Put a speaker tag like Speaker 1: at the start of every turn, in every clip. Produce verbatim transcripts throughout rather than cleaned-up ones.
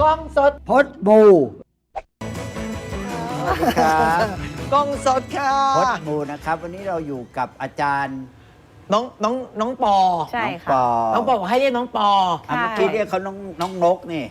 Speaker 1: กล้องสด
Speaker 2: พดบูครับ
Speaker 1: กล้องสดค่ะ
Speaker 2: พดบูนะครับ วันนี้เราอยู่กับอาจารย์
Speaker 1: น้องน้องน้องปอ
Speaker 3: ใช่
Speaker 2: น้อง
Speaker 3: ค่ะ
Speaker 2: ปอ
Speaker 1: น้องปอบอกให้เรียกน้องปอ
Speaker 2: อ่ะเมื่อกี้เรียกเขาน้องน้องนกนี่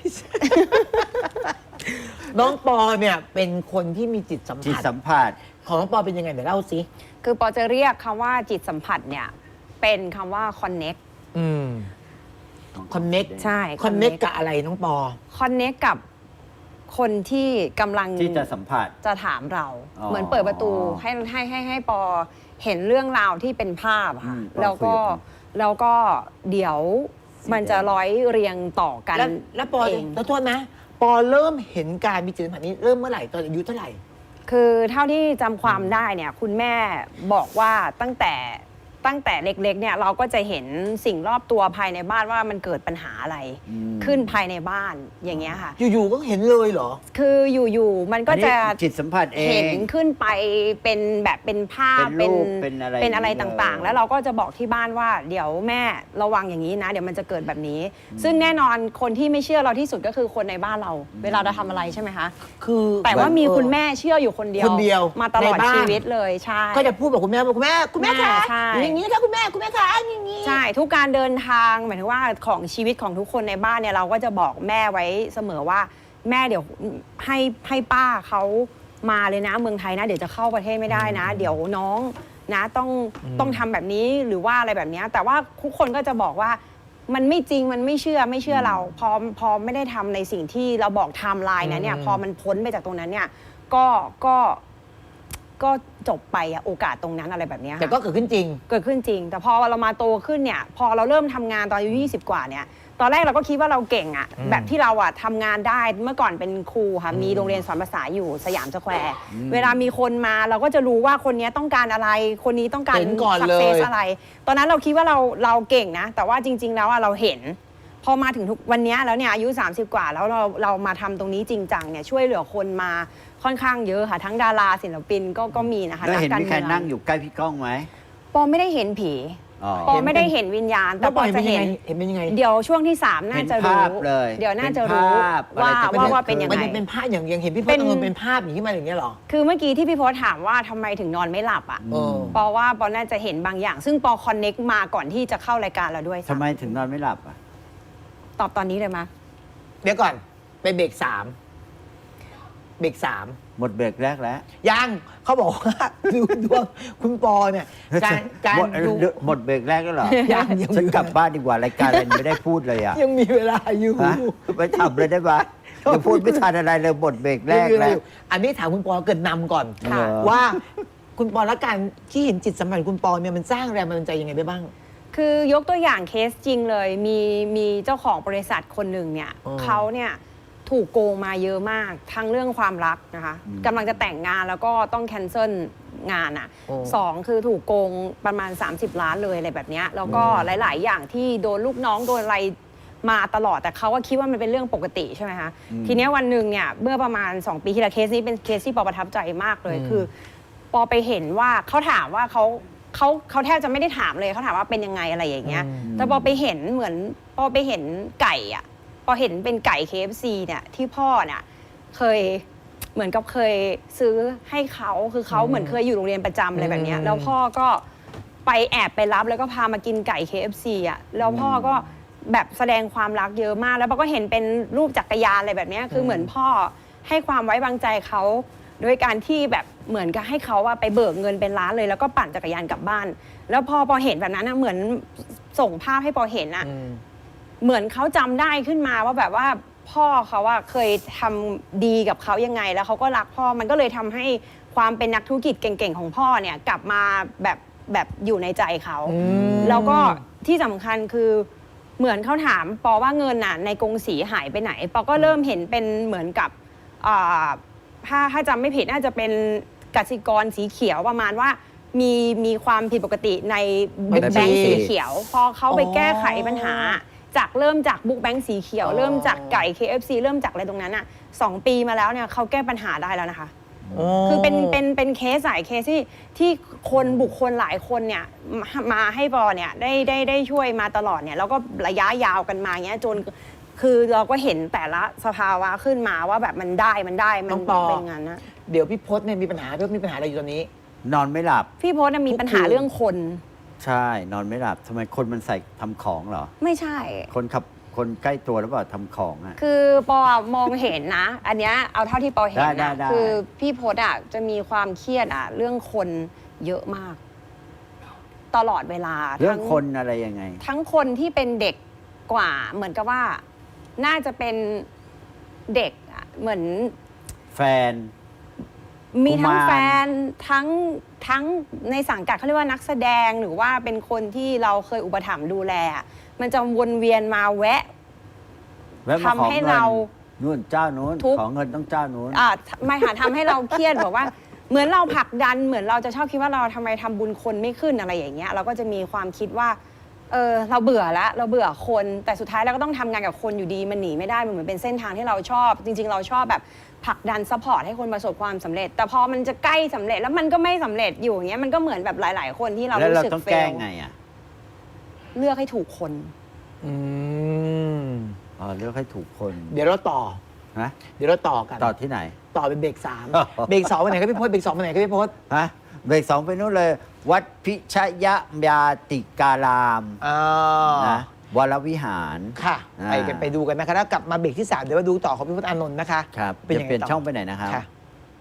Speaker 1: น้องปอเนี่ยเป็นคนที่มีจิตสัม
Speaker 2: จิต
Speaker 1: ผัส
Speaker 2: สัมผัส
Speaker 1: ของน้องปอเป็นยังไงเดี๋ยวเล่าสิ
Speaker 3: คือปอจะเรียกคำว่าจิตสัมผัสเนี่ยเป็นคำว่า connect
Speaker 1: อืมคอนเน็ก
Speaker 3: ใช่
Speaker 1: คอนเน็กกับอะไรน้องปอ
Speaker 3: connect กับคนที่กำลัง
Speaker 2: ที่จะสัมผัส
Speaker 3: จะถามเรา
Speaker 2: อ๋อ
Speaker 3: เหมือนเปิดประตูให้ให้ให้ให้ปอเห็นเรื่องราวที่เป็นภาพอะค่ะ
Speaker 2: อืมปอ
Speaker 3: แล้วก็
Speaker 2: คุยกับ
Speaker 3: แล้วก็เดี๋ยวมันจะร้อยเรียงต่อกัน
Speaker 1: แล้วแล้วปอ
Speaker 3: เอง
Speaker 1: แล้วโทษนะ ปอเริ่มเห็นการมีจิตสัมผัสนี้เริ่มเมื่อไหร่ตอนอายุเท่าไหร่
Speaker 3: คือเท่าที่จำความได้เนี่ยคุณแม่บอกว่าตั้งแต่ตั้งแต่เล็กๆเนี่ยเราก็จะเห็นสิ่งรอบตัวภายในบ้านว่ามันเกิดปัญหาอะไร
Speaker 2: อืม
Speaker 3: ขึ้นภายในบ้านอย่างเงี้ยค่ะ
Speaker 1: อยู่ๆก็เห็นเลยเหรอ
Speaker 3: คืออยู่ๆมันก็
Speaker 2: อันนี้
Speaker 3: จะ
Speaker 2: จิตสัมผัสเอง
Speaker 3: เห็นขึ้นไปเป็นแบบเป็นภาพ
Speaker 2: เป็นรูปเป็นอะไร
Speaker 3: เป็นอะไร
Speaker 2: อย่างนี้
Speaker 3: ต่างๆ
Speaker 2: เลย
Speaker 3: แล้วเราก็จะบอกที่บ้านว่าเดี๋ยวแม่ระวังอย่างนี้นะ เดี๋ยวมันจะเกิดแบบนี้ ซึ่งแน่นอนคนที่ไม่เชื่อเราที่สุดก็คือคนในบ้านเรา เวลาเราทำอะไรใช่ไหมคะ
Speaker 1: คือ
Speaker 3: แต่ว่ามี
Speaker 1: เออ
Speaker 3: คุณแม่เชื่ออยู่คนเดียว
Speaker 1: คนเดียว
Speaker 3: มาตลอด
Speaker 1: ในบ้าน
Speaker 3: ชีวิตเลยใช่
Speaker 1: ก็จะพูดกับคุณแม่บอกคุณแม่คุณแม่คะ
Speaker 3: ใช่
Speaker 1: อย่างนี้ค่ะคุณแม่คุณแม่คะอย่างนี้
Speaker 3: ใช่ทุกการเดินทางหมายถึงว่าของชีวิตของทุกคนในบ้านเนี่ยเราก็จะบอกแม่ไว้เสมอว่าแม่เดี๋ยวให้ให้ป้าเขามาเลยนะเมืองไทยนะเดี๋ยวจะเข้าประเทศไม่ได้นะ เดี๋ยวน้องนะต้อง
Speaker 1: อืม
Speaker 3: ต้องทำแบบนี้หรือว่าอะไรแบบเนี้ยแต่ว่าทุกคนก็จะบอกว่ามันไม่จริงมันไม่เชื่อไม่เชื่อเรา พอพอไม่ได้ทำในสิ่งที่เราบอกไทม์ไลน์นะเนี่ยพอมันพ้นไปจากตรงนั้นเนี่ยก็ก็ก็จบไปอะโอกาสตรงนั้นอะไรแบบเนี้ยค่ะ
Speaker 1: แต่ก็เกิดขึ้นจริง
Speaker 3: เกิดขึ้นจริง แต่พอเรามาโตขึ้นเนี่ยพอเราเริ่มทำงานตอนอายุยี่สิบกว่าเนี่ยตอนแรกเราก็คิดว่าเราเก่งอะ
Speaker 1: อืม
Speaker 3: แบบที่เราอะทำงานได้เมื่อก่อนเป็นครูค่ะ
Speaker 1: อืม
Speaker 3: มีโรงเรียนสอนภาษาอยู่สยามสแควร์
Speaker 2: อืม
Speaker 3: เวลามีคนมาเราก็จะรู้ว่าคนนี้ต้องการอะไร คนนี้ต้องการ
Speaker 1: เห็นก่อน
Speaker 3: สั
Speaker 1: เลย
Speaker 3: เซสอะไร ตอนนั้นเราคิดว่าเราเราเก่งนะ แต่ว่าจริง ๆ แล้วอะเราเห็น พอมาถึงทุกวันนี้แล้วเนี่ยอายุสามสิบกว่าแล้วเราเรามาทำตรงนี้จริงจังเนี่ยช่วยเหลือคนมาค่อนข้างเยอะค่ะทั้งดาราศิลปินก็ก็มีนะคะ
Speaker 2: แล้วเห็น
Speaker 3: กการ
Speaker 2: มีใคร
Speaker 3: เมือง
Speaker 2: นั่งอยู่ใกล้พี่ก้องไหม
Speaker 3: ปอไม่ได้เห็นผี
Speaker 2: อ๋อ
Speaker 3: ปอไม่ได้เห็นวิญญาณ แต่
Speaker 1: แล้ว
Speaker 3: ป
Speaker 1: ป
Speaker 3: อ
Speaker 1: อย
Speaker 3: จะ
Speaker 1: เป็นยัง
Speaker 3: เห็น
Speaker 1: ไงเห็นเป็นยังไง
Speaker 3: เดี๋ยวช่วงที่สามน่าจะ
Speaker 2: เห็น
Speaker 3: รู้
Speaker 2: ภาพเลย
Speaker 3: เดี๋ยวน่าจะรู้
Speaker 2: เป็นภาพ
Speaker 3: ว่า
Speaker 2: อะไรจะ
Speaker 3: ว่าว่าเป็นยัง
Speaker 1: มัน
Speaker 3: ไง
Speaker 1: จะเป็นภาพอย่างอย่างเห็นพี่พ
Speaker 3: เป็
Speaker 1: จ
Speaker 3: น
Speaker 1: น์เอาเงินเป็นภาพอย่างนี้มาอย่างเงี้ยเหรอ
Speaker 3: คือเมื่อกี้ที่พี่โพสถามว่าทำไมถึงนอนไม่หลับอ่ะ
Speaker 1: เออ
Speaker 3: ปอว่าปอน่าจะเห็นบางอย่าง ซึ่งปอคอนเน็กมาก่อนที่จะเข้ารายการเราด้วย
Speaker 2: ทำไมถึงนอนไม่หลับอ่ะ
Speaker 3: ตอบตอนนี้เลยมะ
Speaker 1: เดี๋ยวก่อนไปเบรกสามเบรกสาม
Speaker 2: หมดเบรกแรกแล้ว
Speaker 1: ยังเขาบอกว่า ดูดวงคุณปอเนี่ยการการ
Speaker 2: หมด
Speaker 1: ดู
Speaker 2: หมดเบรกแรกแล้วเหรอ
Speaker 1: ยังยัง
Speaker 2: ฉันกลับบ้านดีกว่ารายการอะไรไม่ได้พูดเลยอ่ะ
Speaker 1: ยังมีเวลาอยู่
Speaker 2: ฮะไปทำเลยได้ปะเดี๋ยวพูดไม่ทันอะไรเลยหมดเบรกแร
Speaker 1: ยัง
Speaker 2: ก
Speaker 1: มีเวลา
Speaker 2: แล้
Speaker 1: อ
Speaker 2: ว
Speaker 1: ยู่อันนี้ถามคุณปอเกิดนำก่อน
Speaker 2: เหรอ
Speaker 1: ว่าคุณปอและการที่เห็นจิตสัมผัสคุณปอเนี่ยมันสร้างแรงบันดาลใจยังไงได้บ้าง
Speaker 3: คือยกตัวอย่างเคสจริงเลย มีมีเจ้าของบริษัทคนหนึ่งเนี่ย
Speaker 1: อ๋อ
Speaker 3: เขาเนี่ยถูกโกงมาเยอะมากทั้งเรื่องความรักนะคะกำลังจะแต่งงานแล้วก็ต้องแคนเซิลงานอ่ะ
Speaker 1: โอ้
Speaker 3: สองคือถูกโกงประมาณ สามสิบ ล้านเลยอะไรแบบเนี้ยแล้วก็หลาย ๆ อย่างที่โดนลูกน้องโดนอะไรมาตลอดแต่เขาก็คิดว่ามันเป็นเรื่องปกติใช่ไหมคะ
Speaker 2: อืม
Speaker 3: ทีเนี้ยวันหนึ่งเนี่ยเมื่อประมาณ สอง ปีที่แล้วเคสนี้เป็นเคสที่ปอประทับใจมากเลย
Speaker 1: อืม
Speaker 3: คือ ปอไปเห็นว่าเขาถามว่าเขาเขาเขาแทบจะไม่ได้ถามเลยเขาถามว่าเป็นยังไงอะไรอย่างเงี้ย แต่พอไปเห็นเหมือนพอไปเห็นไก่อะพอเห็นเป็นไก่ เค เอฟ ซี เนี่ยที่พ่อเนี่ยเคยเหมือนกับเคยซื้อให้เขาคือเขา
Speaker 1: อืม
Speaker 3: เหมือนเคยอยู่โรงเรียนประจำอะไรแบบเนี้ย
Speaker 1: อืม
Speaker 3: แล้วพ่อก็ไปแอบไปรับแล้วก็พามากินไก่ เค เอฟ ซี อ่ะแล้วพ่อก็แบบแสดงความรักเยอะมาก แล้วปอก็เห็นเป็นรูปจักรยานอะไรแบบเนี้ยคือเหมือนพ่อให้ความไว้วางใจเขาโดยการที่แบบเหมือนกับให้เขาว่าไปเบิกเงินเป็นล้านเลย แล้วก็ปั่นจักรยานกลับบ้าน แล้วพอปอเห็นแบบนั้นนะเหมือนส่งภาพให้ปอเห็นอะ
Speaker 1: อืม
Speaker 3: เหมือนเขาจำได้ขึ้นมาว่าแบบว่าพ่อเขาว่าเคยทำดีกับเขายังไง แล้วเขาก็รักพ่อมันก็เลยทำให้ความเป็นนักธุรกิจเก่งๆของพ่อเนี่ยกลับมาแบบแบบอยู่ในใจเขา
Speaker 1: อืม
Speaker 3: แล้วก็ที่สำคัญคือเหมือนเขาถามปอว่าเงินน่ะในกรงสีหายไปไหนปอก็เริ่มเห็นเป็นเหมือนกับอ่าถ้าถ้าจำไม่ผิดน่าจะเป็นกสิกรสีเขียวประมาณว่ามีมีความผิดปกติในบุ๊กแบงค์สีเขียว พอเขาไปแก้ไขปัญหา จากเริ่มจากบุ๊กแบงค์สีเขียว
Speaker 1: อ๋อ
Speaker 3: เริ่มจากไก่ เค เอฟ ซี เริ่มจากอะไรตรงนั้นอ่ะสองปีมาแล้วเนี่ยเขาแก้ปัญหาได้แล้วนะคะ คือเป็นเป็นเป็นเคสหลายเคสที่ที่คนบุคคลหลายคนเนี่ยมามาให้ปอเนี่ยได้ได้ได้ช่วยมาตลอดเนี่ยแล้วก็ระยะยาวกันมาเงี้ยจนคือเราก็เห็นแต่ละสภาวะขึ้นมาว่าแบบมันได้มันได้มั
Speaker 1: น้องปอ
Speaker 3: เป็นงานนะ
Speaker 1: เดี๋ยวพี่พศเนี่ยมีปัญหาพี่พศมีปัญหาอะไรอยู่ตอนนี้
Speaker 2: นอนไม่หลับ
Speaker 3: พี่พศน่ะมีปัญหา
Speaker 1: ทุกคืน
Speaker 3: เรื่องคน
Speaker 2: ใช่ นอนไม่หลับทำไมคนมันใส่ทำของเหรอ
Speaker 3: ไม่ใช่
Speaker 2: คนขับคนใกล้ตัวหรือเปล่าทำของอ่ะ
Speaker 3: คือปอมองเห็นนะ อันเนี้ยเอาเท่าที่ปอเห็น
Speaker 2: ได้ได้
Speaker 3: นะ
Speaker 2: ได้
Speaker 3: คือพี่พศอ่ะจะมีความเครียดอ่ะเรื่องคนเยอะมาก ตลอดเวลา
Speaker 2: เรื่อง
Speaker 3: ทั้
Speaker 2: คนอะไรยังไง
Speaker 3: ทั้งคนที่เป็นเด็กกว่าเหมือนกับว่า น่าจะเป็นเด็กอะเหมือน
Speaker 2: แฟน
Speaker 3: มีทั้ง
Speaker 2: กุมาร
Speaker 3: แฟนทั้งทั้งในสังกัดเขาเรียกว่านักแสดงหรือว่าเป็นคนที่เราเคยอุปถัมภ์ดูแลอะมันจะวนเวียนมาแวะ
Speaker 2: แวะมาขอ
Speaker 3: ทำให้
Speaker 2: เงิน
Speaker 3: เรา
Speaker 2: นู่นเจ้านู้น
Speaker 3: ทุก
Speaker 2: ขอเงินต้องเจ้านู้น
Speaker 3: อ่าไม่ค่ะทำให้เราเครียด บอกว่า เหมือนเราผลักดันเหมือนเราจะชอบคิดว่าเราทำไมทำบุญคนไม่ขึ้นอะไรอย่างเงี้ยเราก็จะมีความคิดว่าเออเราเบื่อแล้วเราเบื่อคนแต่สุดท้ายเราก็ต้องทำงานกับคนอยู่ดีมันหนีไม่ได้มันเหมือนเป็นเส้นทางที่เราชอบ จริง ๆ เราชอบแบบผลักดันซัพพอร์ตให้คนประสบความสำเร็จ แต่พอมันจะใกล้สำเร็จแล้วมันก็ไม่สำเร็จอยู่อย่างเงี้ยมันก็เหมือนแบบหลาย ๆ คนที่เรา
Speaker 2: แล้ว
Speaker 3: รู้
Speaker 2: เรา
Speaker 3: สึก
Speaker 2: ต้อง
Speaker 3: เฟ
Speaker 2: แก้
Speaker 3: ล
Speaker 2: ไงอ่ะ
Speaker 3: เลือกให้ถูกคน
Speaker 1: อืม
Speaker 2: อ๋อเลือกให้ถูกคน
Speaker 1: เดี๋ยวเราต่อ
Speaker 2: นะ
Speaker 1: เดี๋ยวเราต่อกัน
Speaker 2: ต่อที่ไหน
Speaker 1: ต่อเป็นเบรกสามเบรกสองไปไหนก็พี่พศเบรกสองไปไหนก็พี่พศ
Speaker 2: ฮะเบรกสองไปนู่นเลย วัดพิชยยาติการาม
Speaker 1: อ่า
Speaker 2: นะวรวิหาร
Speaker 1: ค่ะ
Speaker 2: อ่า
Speaker 1: ไปกันไปดูกันนะคะแล้วกลับมาเบรกที่สามเดี๋ยวมาดูต่อของพี่พศอานนท์นะคะ
Speaker 2: ครับ
Speaker 1: เป็น
Speaker 2: จะ
Speaker 1: ยังไง
Speaker 2: เปลี่ยน
Speaker 1: ต่อ
Speaker 2: ช่องไปไหนนะครับ
Speaker 1: ค่ะ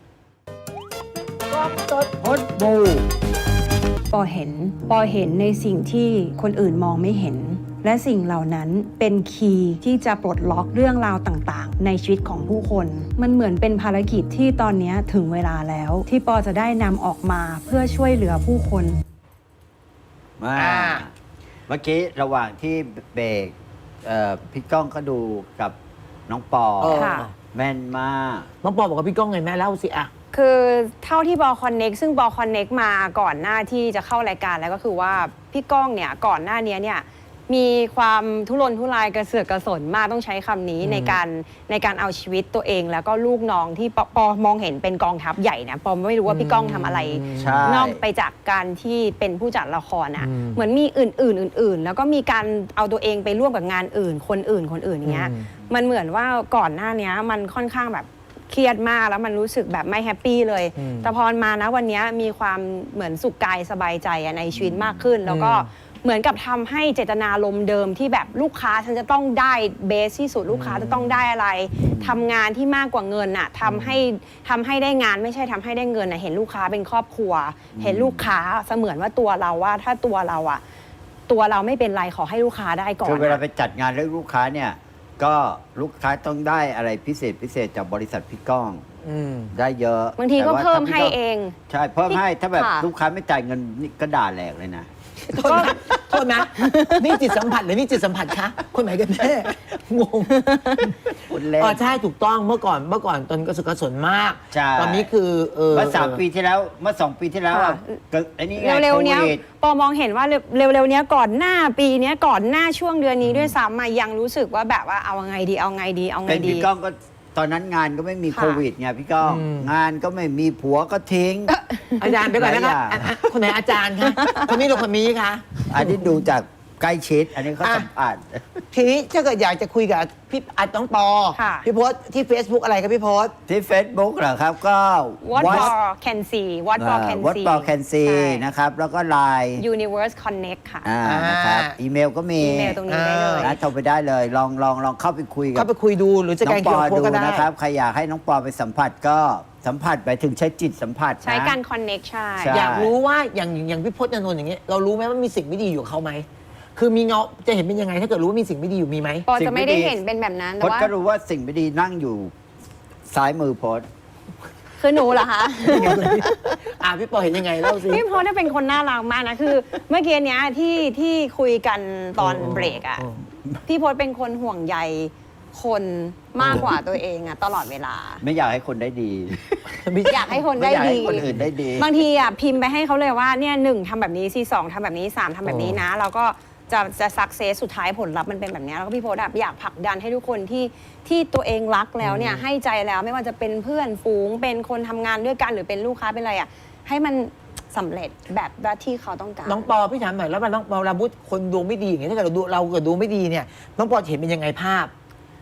Speaker 2: พดบู
Speaker 3: ปอเห็นปอเห็นในสิ่งที่คนอื่นมองไม่เห็น และสิ่งเหล่านั้นเป็นคีย์ที่จะปลดล็อกเรื่องราวต่างๆ ในชีวิตของผู้คน มันเหมือนเป็นภารกิจที่ตอนนี้ถึงเวลาแล้ว ที่ปอจะได้นำออกมาเพื่อช่วยเหลือผู้คน
Speaker 2: มา
Speaker 1: อ่า
Speaker 2: เมื่อกี้ระหว่างที่เบรกเอ่อพี่ก้องก็ดูกับน้องปอ
Speaker 1: เออ
Speaker 3: ค่ะ
Speaker 2: แม่นมาก
Speaker 1: น้องปอบอกกับพี่ก้องไงแม่เล่าสิอะ
Speaker 3: คือเท่าที่บอคอนเน็กซึ่งบอคอนเน็กมาก่อนหน้าที่จะเข้ารายการแล้วก็คือว่าพี่ก้องเนี่ยก่อนหน้านี้เนี่ยมีความทุรนทุรายกระเสือกกระสนมากต้องใช้คำนี้
Speaker 1: อืม
Speaker 3: ในการในการเอาชีวิตตัวเอง แล้วก็ลูกน้องที่ปอปอมองเห็นเป็นกองทัพใหญ่นะปอไม่รู้ว่าพี่ก้องทำอะไร
Speaker 2: ใช่
Speaker 3: นอกไปจากการที่เป็นผู้จัดละครอ่ะ
Speaker 1: อืม
Speaker 3: เหมือนมีอื่นๆอื่น ๆ แล้วก็มีการเอาตัวเองไปร่วมกับงานอื่น คนอื่นคนอื่นอย่างเงี้ย
Speaker 1: อืม
Speaker 3: มันเหมือนว่าก่อนหน้านี้มันค่อนข้างแบบเครียดมากแล้วมันรู้สึกแบบไม่แฮปปี้เลย
Speaker 1: อืม
Speaker 3: แต่พอมานะวันนี้มีความเหมือนสุขกายสบายใจอะในชีวิตมากขึ้น แล้วก็
Speaker 1: อืม
Speaker 3: เหมือนกับทำให้เจตนารมณ์เดิมที่แบบลูกค้าฉันจะต้องได้เบสที่สุดลูกค้าจะต้องได้อะไรทำงานที่มากกว่าเงินอะทำให้ทำให้ได้งานไม่ใช่ทำให้ได้เงินอะเห็นลูกค้าเป็นครอบครัว เห็นลูกค้าเสมือนว่าตัวเราว่าถ้าตัวเราอะตัวเราไม่เป็นไรขอให้ลูกค้าได้ก่อน
Speaker 2: คือเวลา
Speaker 3: อะ
Speaker 2: ไปจัดงานเรื่องลูกค้าเนี่ย ก็ลูกค้าต้องได้อะไรพิเศษพิเศษจากบริษัทพี่ก้อง
Speaker 1: อืม
Speaker 2: ได้เยอะ
Speaker 3: บางทีก็
Speaker 2: แต่ว่
Speaker 3: เพิ่ม
Speaker 2: ถ้าพี่
Speaker 3: ให้
Speaker 2: ก้
Speaker 3: เอง
Speaker 2: ใช่เพิ่มให้ถ้าแบบ
Speaker 3: ค่ะ
Speaker 2: ลูกค้าไม่จ่ายเงินนี่ก็ด่าแหลกเลยนะ
Speaker 1: โทษนะโทษนะ นี่จิตสัมผัสหรือนี่จิตสัมผัสคะ คนไหนกันแน่งง
Speaker 2: คุณเล่น
Speaker 1: อ๋อใช่ถูกต้องเมื่อก่อนเมื่อก่อนตอนกระสุนกระสนมาก
Speaker 2: ใช่
Speaker 1: ตอนนี้คือเออ
Speaker 2: เมื่อสามปีที่แล้วเมื่อสองปีที่แล้วอะ
Speaker 3: ค่ะ
Speaker 2: ก็ไอ้นี่ไง
Speaker 3: เร็วๆเนี้ย
Speaker 2: โควิด
Speaker 3: ปอมองเห็นว่าเร็วๆเนี้ยก่อนหน้าปีเนี้ยก่อนหน้าช่วงเดือนนี้ด้วยซ้ำมายังรู้สึกว่าแบบว่าเอาไงดีเอาไงดีเอาไง
Speaker 2: เป็น
Speaker 3: ดี
Speaker 2: พี่ก้องก็ตอนนั้นงานก็ไม่มี
Speaker 3: ค่ะ
Speaker 2: โควิดไงพี่ก้อง
Speaker 1: อืม
Speaker 2: งานก็ไม่มีผัวก็ทิ้ง
Speaker 1: อาจารย์ไปก่อนนะคะ
Speaker 2: หลายอย่าง
Speaker 1: อ่ะอ่ะคนไหนอาจารย์คะคนนี้หรือคนนี้คะ
Speaker 2: อันนี้ดูจากใกล้ชิด อันนี้เขา
Speaker 1: อ่ะ
Speaker 2: สัมผัส
Speaker 1: ทีนี้ถ้าเกิดอยากจะคุยกับพี่อัดน้องปอ
Speaker 3: ค่ะ
Speaker 1: พี่โพสต์ที่ Facebook อะไรครับพี่โพสต์
Speaker 2: ที่ Facebook เหรอครับก็
Speaker 3: What
Speaker 2: What
Speaker 3: for can see What for can
Speaker 2: What
Speaker 3: see
Speaker 2: for can see
Speaker 3: ใช่
Speaker 2: นะครับ แล้วก็ไลน์
Speaker 3: Universe Connect ค่ะ
Speaker 2: อ่านะครับ อีเมลก็มี
Speaker 3: อีเมลตรงนี้ได้เลย
Speaker 2: นะโทรไปได้เลย ลองลองลองเข้าไปคุยกั
Speaker 1: เข้า
Speaker 2: บ
Speaker 1: ไปคุยดูหรือจะ
Speaker 2: น้อ
Speaker 1: การ
Speaker 2: งป
Speaker 1: เขีย
Speaker 2: อน
Speaker 1: โพส
Speaker 2: ดู
Speaker 1: ต์ก็ได้
Speaker 2: นะครับ ใครอยากให้น้องปอไปสัมผัสก็สัมผัสไปถึงใช้จิตสัมผัสนะ
Speaker 3: ใช้การ connect ใช่
Speaker 2: ใช่
Speaker 1: อยากรู้ว่าอย่างอย่างพี่พจน์อานนท์อย่างเงี้ยเรารู้ไหมว่ามีสิ่งไม่ดีอยู่กับเขาไหมคือมีเงาจะเห็นเป็นยังไง ถ้าเกิดรู้ว่ามีสิ่งไม่ดีอยู่มีไหม
Speaker 3: ปอจะไม่ได้เห็นเป็นแบบนั้น
Speaker 2: พ
Speaker 3: แต่
Speaker 2: จน์
Speaker 3: ว่า
Speaker 2: ก็รู้ว่าสิ่งไม่ดีนั่งอยู่ซ้ายมือพจน์
Speaker 3: คือหนูเหรอคะ
Speaker 1: อ่าพี่ปอเห็นยังไงเล่าสิ
Speaker 3: พี่พจน์เนี่ยเป็นคนน่ารักมากนะคือ เมื่อกี้เนี้ยที่ที่คุยกันตอน
Speaker 1: โอ้โอ้
Speaker 3: เบรกอ่ะ
Speaker 1: โอ้
Speaker 3: พี่พจน์เป็นคนห่วงใยคนมากกว่าตัวเองอ่ะตลอดเวลา
Speaker 2: ไม่อยากให้คนได้ดี
Speaker 3: อยากให้คน
Speaker 2: ไม่
Speaker 3: ได้
Speaker 2: อยาก
Speaker 3: ดี
Speaker 2: ให้คนอื่นได้ดี
Speaker 3: บางทีอ่ะพิมพ์ไปให้เขาเลยว่าเนี่ยหนึ่งทำแบบนี้ซีสองทำแบบนี้สามทำแบบนี้นะแล้วก็จะจะสักเซสสุดท้ายผลลัพธ์มันเป็นแบบนี้แล้วก็พี่โพสต์อะอยากผลักดันให้ทุกคนที่ที่ตัวเองรักแล้วเนี่ยให้ใจแล้วไม่ว่าจะเป็นเพื่อนฝูงเป็นคนทำงานด้วยกันหรือเป็นลูกค้าเป็นอะไรอ่ะให้มันสำเร็จแบบว่าที่เขาต้องการ
Speaker 1: น้องปอพี่ถามหน่อยแล้วมันน้องปอเราพูดคนดวงไม่ดีอย่างเงี้ยถ้าเกิดเราดูเราเกิดดวงไม่ดีเนี่ยน้องปอเห็นเป็นยังไงภาพ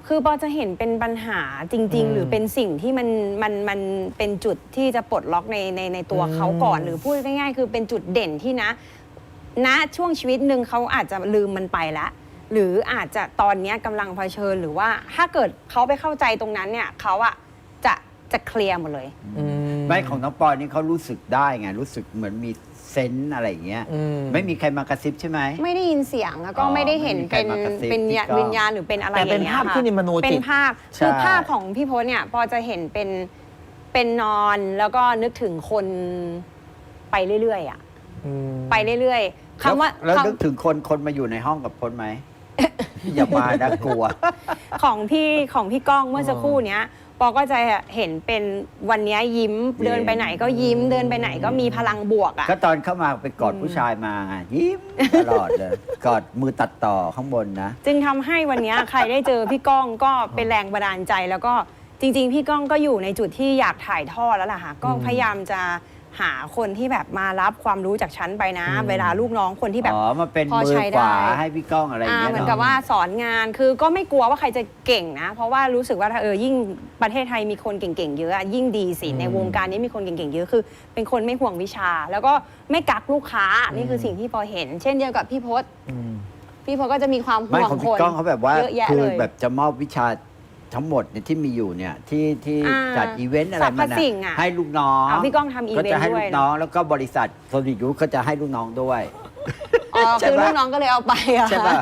Speaker 3: คือปอจะเห็นเป็นปัญหาจริง
Speaker 1: อืม
Speaker 3: ๆ หรือเป็นสิ่งที่มันมันมันเป็นจุดที่จะปลดล็อกในในในตัว
Speaker 1: อืม
Speaker 3: เขาก่อน หรือพูดง่ายๆ คือเป็นจุดเด่นที่นะณช่วงชีวิตหนึ่งเขาอาจจะลืมมันไปแล้ว หรืออาจจะตอนเนี้ยกำลังเผชิญหรือว่าถ้าเกิดเขาไปเข้าใจตรงนั้นเนี่ยเขาอะจะจะเคลียร์หมดเลย
Speaker 1: อืม
Speaker 2: ไม่ของน้องปอยนี่เขารู้สึกได้ไงรู้สึกเหมือนมีเซนส์อะไรอย่างเงี้ย
Speaker 1: อืม
Speaker 2: ไม่มีใครมากระซิบใช่ไหม
Speaker 3: ไม่ได้ยินเสียงแล้วก็
Speaker 2: อ๋อ
Speaker 3: ไม่ได้เห็นเป็น
Speaker 2: ไม่มีใครมากระซิบ
Speaker 3: เป็น
Speaker 2: พี่ก้อง
Speaker 3: วิญญาณหรือเป็นอะไร
Speaker 1: แต่
Speaker 3: อ
Speaker 1: เป็น
Speaker 3: ย่างเงี้ย
Speaker 1: ภาพ
Speaker 3: ค่ะ
Speaker 1: ขึ้นในมโนจิต
Speaker 3: เป็นภาพ
Speaker 2: ใช่
Speaker 3: คือภาพของพี่พจน์เนี่ยปอจะเห็นเป็นเป็นนอนแล้วก็นึกถึงคนไปเรื่อยๆอ่ะ
Speaker 1: อืม
Speaker 3: ไปเรื่อยๆคำว่า
Speaker 2: แล้ว
Speaker 3: คำ
Speaker 2: นึกถึงคนคนมาอยู่ในห้องกับพจน์ไหม อย่ามานะกลัว
Speaker 3: ของพี่ของพี่ก้องเมื่อสักครู่เนี้ยปอก็จะเห็นเป็นวันเนี้ยยิ้ม
Speaker 2: ยิ้ม
Speaker 3: เดินไปไหนก็ยิ้ม เดินไปไหนก็มีพลังบวกอ่ะ
Speaker 2: ก็ตอนเข้ามาไปกอดผู้ชายมาไงยิ้มตลอดเลย กอดมือตัดต่อข้างบนนะ
Speaker 3: จึงทำให้วันเนี้ยใครได้เจอพี่ก้องก็เป็นแรงบันดาลใจ แล้วก็จริง ๆ พี่ก้องก็อยู่ในจุดที่อยากถ่ายทอดแล้วล่ะค่ะก็พยายามจะหาคนที่แบบมารับความรู้จากฉันไปนะ
Speaker 1: อืม
Speaker 3: เวลาลูกน้องคนที่แบบ
Speaker 2: อ๋อ มาเป็น
Speaker 3: พอ
Speaker 2: มือ
Speaker 3: ใช้
Speaker 2: ขวา
Speaker 3: ได้
Speaker 2: ให้พี่ก้องอะไรอย่าง
Speaker 3: อ่า
Speaker 2: เงี้ย
Speaker 3: เหมือน
Speaker 2: เนาะ
Speaker 3: กับว่าสอนงานคือก็ไม่กลัวว่าใครจะเก่งนะ เพราะว่ารู้สึกว่าถ้าเออยิ่งประเทศไทยมีคนเก่งๆเยอะอะยิ่งดีสิ
Speaker 1: อืม
Speaker 3: ในวงการนี้มีคนเก่งๆเยอะคือ เป็นคนไม่ห่วงวิชา แล้วก็ไม่กักลูกค้านี่คือสิ่งที่พอเห็น เช่นเดียวกับพี่พศ
Speaker 1: อืม
Speaker 3: พี่พศก็จะมีความ
Speaker 2: ไม่
Speaker 3: ห่วง
Speaker 2: ของ
Speaker 3: ค
Speaker 2: พี่
Speaker 3: น
Speaker 2: ก้องเขาแบบว่า
Speaker 3: เยอะแยะ
Speaker 2: คื
Speaker 3: เล
Speaker 2: อย แบบจะมอบวิชาทั้งหมดเนี่ยที่มีอยู่เนี่ยที่ที่
Speaker 3: อ่า
Speaker 2: จัดอีเวนต์อะไร
Speaker 3: สรรพ
Speaker 2: มันน่ะ
Speaker 3: สิ่งอะ
Speaker 2: ให้ลูกน้อง
Speaker 3: อ่าพี่ก้องทำอี
Speaker 2: ก็
Speaker 3: เวน
Speaker 2: จะ
Speaker 3: ต์
Speaker 2: ให้
Speaker 3: ด้
Speaker 2: ลู
Speaker 3: วย
Speaker 2: กน้องแล้วก็บริษัทโซนิยูก็จะให้ลูกน้องด้วย
Speaker 3: อ๋อ
Speaker 2: ใช่
Speaker 3: คือ
Speaker 2: ปะ
Speaker 3: ลูกน้องก็เลยเอาไปอะ
Speaker 2: ใช่ป่ะ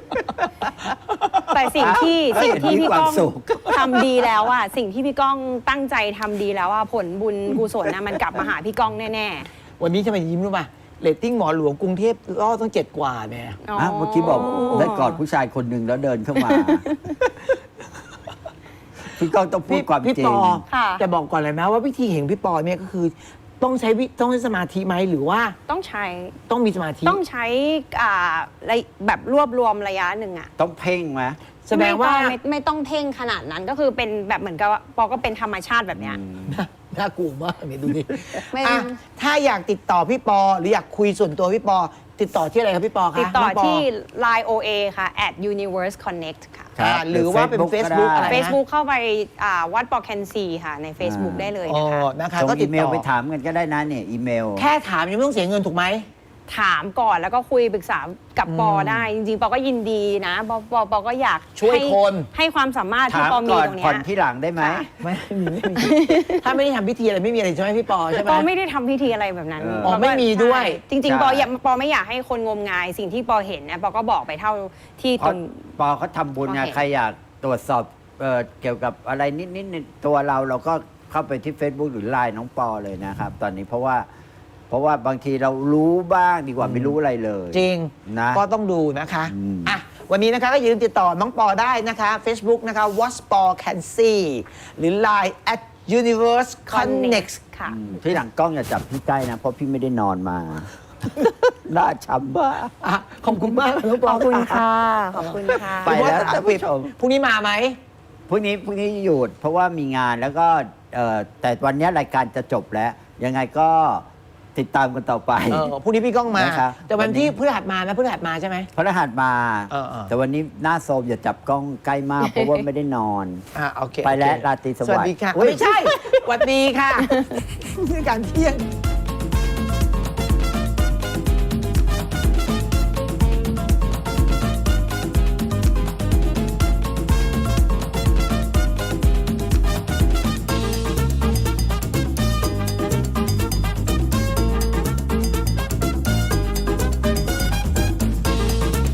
Speaker 3: แต่สิ่งที่
Speaker 2: เอ้ย
Speaker 3: สิ่งที่
Speaker 2: มี
Speaker 3: พี่
Speaker 2: ความ
Speaker 3: ก้อง
Speaker 2: สุข
Speaker 3: ทำดีแล้วอะสิ่งที่พี่ก้องตั้งใจทำดีแล้วอะผลบุญกุศลนะมันกลับมาหาพี่ก้องแน่
Speaker 1: วันนี้ทำไมยิ้มรู้ป่ะเรตติ้งหมอหลวงกรุงเทพล่อต้องเจ็ดกว่าเนี่ย
Speaker 3: ๆอ๋อ
Speaker 2: อ่ะเมื่อกี้บอกได้กอดผู้ชายคนหนึ่งแล้วเดินเข้ามา พี่ก้องต้องพูดความ
Speaker 1: พี่
Speaker 2: จริ
Speaker 1: ป
Speaker 2: ง
Speaker 1: อ
Speaker 3: ค่ะ
Speaker 1: แต่บอกก่อนเลยนะว่าวิธีเห็นพี่ปอเนี่ยก็คือ ต้องใช้วิต้องใช้สมาธิไหมหรือว่า
Speaker 3: ต้องใช้
Speaker 1: ต้องมีสมาธิ
Speaker 3: ต้องใช้อ่าระยแบบรวบรวมระยะหนึ่งอะ
Speaker 2: ต้องเพ่งไหม
Speaker 1: แสดงว่า
Speaker 3: ไม่ต้องไม่ไม่ต้องเพ่งขนาดนั้นก็คือเป็นแบบเหมือนกับว่าปอก็เป็นธรรมชาติแบบเนี้ย
Speaker 1: น่าน่ากลัวมากเนี่ยดูดิ
Speaker 3: ไม่
Speaker 1: อ่ะถ้าอยากติดต่อพี่ปอ หรืออยากคุยส่วนตัวพี่ปอ ติดต่อที่อะไรครับพี่ปอคะ
Speaker 3: ติดต่อ
Speaker 1: น้งป
Speaker 3: ที่ ไลน์ โอ เอ ค่ะ at universe connect ค่ะ
Speaker 2: ครับ
Speaker 1: อ่าหรือว่าเป็น
Speaker 2: Facebook
Speaker 1: Facebook
Speaker 2: ก็ได้
Speaker 1: อะไรนะ
Speaker 3: Facebook เข้าไปอ่าวัดปอแคนซีค่ะใน Facebook
Speaker 2: อ่า
Speaker 3: ได้เลย
Speaker 1: อ๋อ
Speaker 3: นะคะ
Speaker 1: นะคะ
Speaker 2: ส่ง
Speaker 1: ก็ติ
Speaker 2: อี
Speaker 1: ด
Speaker 2: เม
Speaker 1: ต่
Speaker 2: ล
Speaker 1: อ
Speaker 2: ไปถามกันก็ได้นะเนี่ยอีเมล
Speaker 1: แค่ถามยังไม่ต้องเสียเงินถูกไหม
Speaker 3: ถามก่อนแล้วก็คุยปรึกษากับปอ
Speaker 1: อืม
Speaker 3: ได้ จริงๆ ปอก็ยินดีนะปอปอปอก็อยาก
Speaker 1: ช่วย
Speaker 3: ให้
Speaker 1: คน
Speaker 3: ให้ความสามารถที่
Speaker 2: ถาม
Speaker 3: ปอมี
Speaker 2: ก่อน
Speaker 3: ตรงเนี้
Speaker 2: ผ่อย นที่หลังได้ไหม
Speaker 3: ค่ะ
Speaker 1: ไม่มีไม่มี ถ้าไม่ได้ทำพิธีอะไรไม่มีอะไรใช่ไหมพี่ปอใช่ไหม
Speaker 3: ปอไม่ได้ทำพิธีอะไรแบบนั้น
Speaker 2: เออ
Speaker 3: ปก็
Speaker 1: ไม่มีด้วย
Speaker 3: ใช่จริง
Speaker 2: ใช่
Speaker 3: ๆ ปออยากปอไม่อยากให้คนงมงาย สิ่งที่ปอเห็นนะปอก็บอกไปเท่าที่
Speaker 2: เพ
Speaker 3: ตร
Speaker 2: ราะ
Speaker 3: ง
Speaker 2: ปอเขาทำบุญไง
Speaker 3: โอเค
Speaker 2: ใครอยากตรวจสอบเอ่อเกี่ยวกับอะไรนิดๆในตัวเราเราก็เข้าไปที่ Facebook หรือไลน์น้องปอเลยนะครับ ตอนนี้เพราะว่า เพราะว่าบางทีเรารู้บ้างดีกว่าไม่รู้อะไรเลย
Speaker 1: จริง
Speaker 2: นะ
Speaker 1: ก็ต้องดูนะคะ
Speaker 2: อืม
Speaker 1: อ่ะวันนี้นะคะก็อย่าลืมติดต่อน้องปอได้นะคะ Facebook นะคะ what spor can see หรือ Line at universe connect
Speaker 3: ค่ะ
Speaker 2: อืมที่หลังกล้องอย่าจับพี่ใกล้นะ เพราะพี่ไม่ได้นอนมา หน้าช้ำบ้า
Speaker 1: อ่ะขอบคุณมากน้องป
Speaker 3: ข
Speaker 1: อ
Speaker 3: อบคุณค่ะ ขอบคุณค่ะ
Speaker 2: ไปแล้วท่านผู้ชม
Speaker 1: พรุ่งนี้มาไหม
Speaker 2: พรุ่งนี้พรุ่งนี้หยุดเพราะว่ามีงานแล้วก็เอ่อแต่วันนี้รายการจะจบแล้ว ยังไงก็ติดตามกันต่อไป
Speaker 1: เออพรุ่งนี้พี่ก้องมา
Speaker 2: นะครับ
Speaker 1: แต่วัน
Speaker 2: วันนี้
Speaker 1: ที่พฤหัสมานะพฤหัสมาใช่ไหม
Speaker 2: พระรหัสมา
Speaker 1: เออเออ
Speaker 2: แต่วันนี้หน้าโซมอย่าจับกล้องใกล้มาก เพราะว่าไม่ได้นอน
Speaker 1: อ่ะโอเค
Speaker 2: ไปแล้ว
Speaker 1: โอเค
Speaker 2: ราตรีสวัสดิ์
Speaker 1: สวัสดีค่ะ
Speaker 2: อุ๊ย
Speaker 1: ไม่ใช่สวัสดีค่ะ นี่การเที่ยง